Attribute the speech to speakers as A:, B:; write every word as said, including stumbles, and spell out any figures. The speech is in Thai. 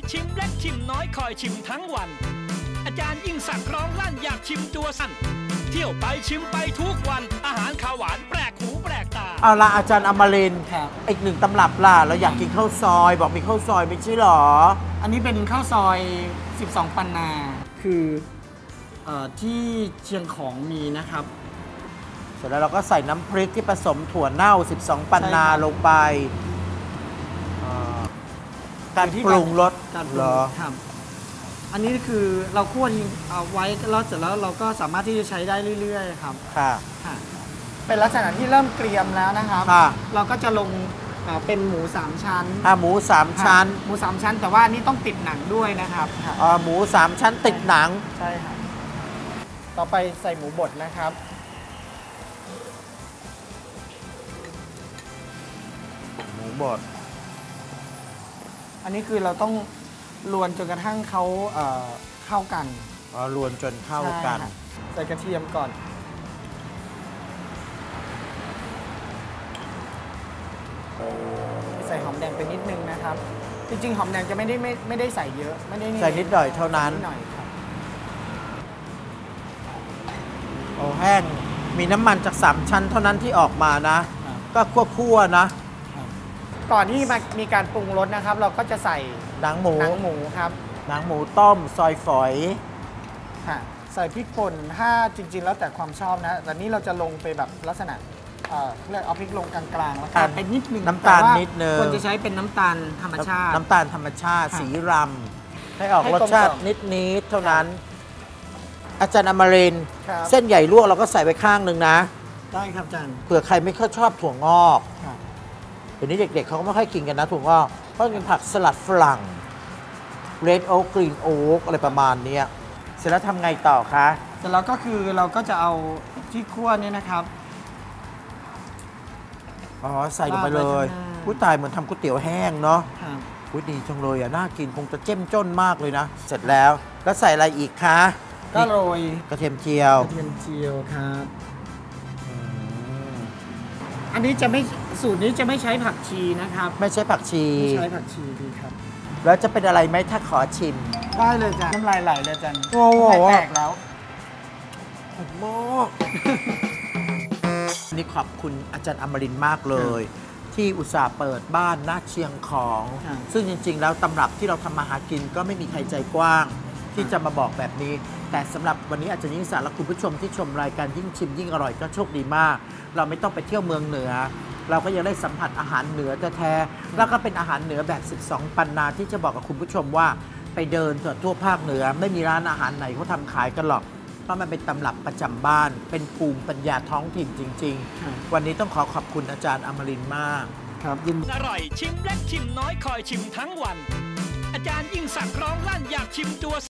A: ชิมเล็กชิมน้อยคอยชิมทั้งวันอาจารย์ยิ่งสั่งร้องลั่นอยากชิมตัวสั่นเที่ยวไปชิมไปทุกวันอาหารข้าวหวานแปลกหูแปลกตา
B: เอาละอาจารย์อมรินทร์อีกหนึ่งตำรับล่ะเราอยากกินข้าวซอยบอกมีข้าวซอยไม่ใช่หรอ
C: อันนี้เป็นข้าวซอยสิบสองปันนาคือเอ่อที่เชียงของมีนะครับ
B: เสร็จแล้วเราก็ใส่น้ำพริกที่ผสมถั่วเน่าสิบสองปันนาลงไปการปรุงรส
C: การปรุงครับอันนี้คือเราคั่วทิ้งเอาไว้แล้วเสร็จแล้วเราก็สามารถที่จะใช้ได้เรื่อยๆครับ
B: ค่ะ
C: เป็นลักษณะที่เริ่มเกรียมแล้วนะครับเราก็จะลงเป็นหมูสามชั้น
B: อ่าหมูสามชั้น
C: หมูสามชั้นแต่ว่านี่ต้องติดหนังด้วยนะครับ
B: อ่าหมูสามชั้นติดหนัง
C: ใช่ครับต่อไปใส่หมูบดนะครับ
B: หมูบด
C: อันนี้คือเราต้องลวนจนกระทั่งเขาเอ่อเข้ากัน
B: อ๋อลวนจนเข้ากัน
C: ใส่กระเทียมก่อนใส่หอมแดงไปนิดนึงนะครับจริงๆหอมแดงจะไม่ได้ไม่ไม่ได้ใส่เยอะไม่ได้
B: ใส่นิดหน่อยเท่านั้น
C: นิดหน่อยครับ
B: โอ้แห้งมีน้ำมันจากสามชั้นเท่านั้นที่ออกมานะก็คั่วๆนะ
C: ก่อนที่มามีการปรุงรสนะครับเราก็จะใส่
B: หนังหมู
C: หนังหมูครับ
B: หนังหมูต้มซอยฝอย
C: ค่ะใส่พริกป่นถ้าจริงๆแล้วแต่ความชอบนะแต่นี้เราจะลงไปแบบลักษณะเอ่อเรียกเอาพริกลงกลางๆแล้วกันไปนิดนึง
B: น้ำตาลนิดนึง
C: ควรจะใช้เป็นน้ำตาลธรรมชาติ
B: น้ำตาลธรรมชาติสีรำให้ออกรสชาตินิดๆเท่านั้นอาจารย์อมรินทร์เส้นใหญ่ลวกเราก็ใส่ไว้ข้างหนึ่งนะ
C: ได้ครับอาจารย์
B: เผื่อใครไม่ค่อยชอบถั่วงอกเดี๋ยวนี้เด็กๆเขาก็ไม่ค่อยกินกันนะถั่วงอกเพราะเป็นผักสลัดฝรั่ง Red Oak Green Oak อะไรประมาณนี้เสร็จแล้วทำไงต่อคะ
C: เสร็จแล้วก็คือเราก็จะเอาที่คั่วนี่นะครับ
B: อ๋อใส่ลงไปเลยผู้ตายเหมือนทำก๋วยเตี๋ยวแห้งเนาะอุ้ยดีจังเลยอ่ะน่ากินคงจะเจ้มจ้นมากเลยนะเสร็จแล้วแล้วใส่อะไรอีกคะ
C: ก็โรย
B: กระเทียมเจียว
C: กระเทียมเจียวครับอันนี้จะไม่สูตรนี้จะไม่ใช้ผักชีนะครับ
B: ไม่ใช้ผักชี
C: ไม่ใช้ผักชีดีครับ
B: แล้วจะเป็นอะไรไหมถ้าขอชิม
C: ได้เลยจ้ะน้ำลายไหลเลยจัน
B: โอ้โห
C: แตกแล้ว
B: มากนี่ขอบคุณอาจารย์อมรินทร์มากเลยที่อุตส่าห์เปิดบ้านหน้าเชียงของซึ่งจริงๆแล้วตำรับที่เราทำมาหากินก็ไม่มีใครใจกว้างที่จะมาบอกแบบนี้แต่สำหรับวันนี้อาจารย์ยิ่งศักดิ์และคุณผู้ชมที่ชมรายการยิ่งชิมยิ่งอร่อยก็โชคดีมากเราไม่ต้องไปเที่ยวเมืองเหนือเราก็ยังได้สัมผัสอาหารเหนือแท้ๆแล้วก็เป็นอาหารเหนือแบบสิบสองปันนาที่จะบอกกับคุณผู้ชมว่าไปเดินทั่วภาคเหนือไม่มีร้านอาหารไหนเขาทำขายกันหรอกเพราะมันเป็นตำรับประจำบ้านเป็นภูมิปัญญาท้องถิ่นจริงๆวันนี้ต้องขอขอบคุณอาจารย์อมรินทร์มาก
C: ครับยิน
A: อร่อยชิมเล็กชิมน้อยคอยชิมทั้งวันอาจารย์ยิ่งสั่งร้องลั่นอยากชิมตัว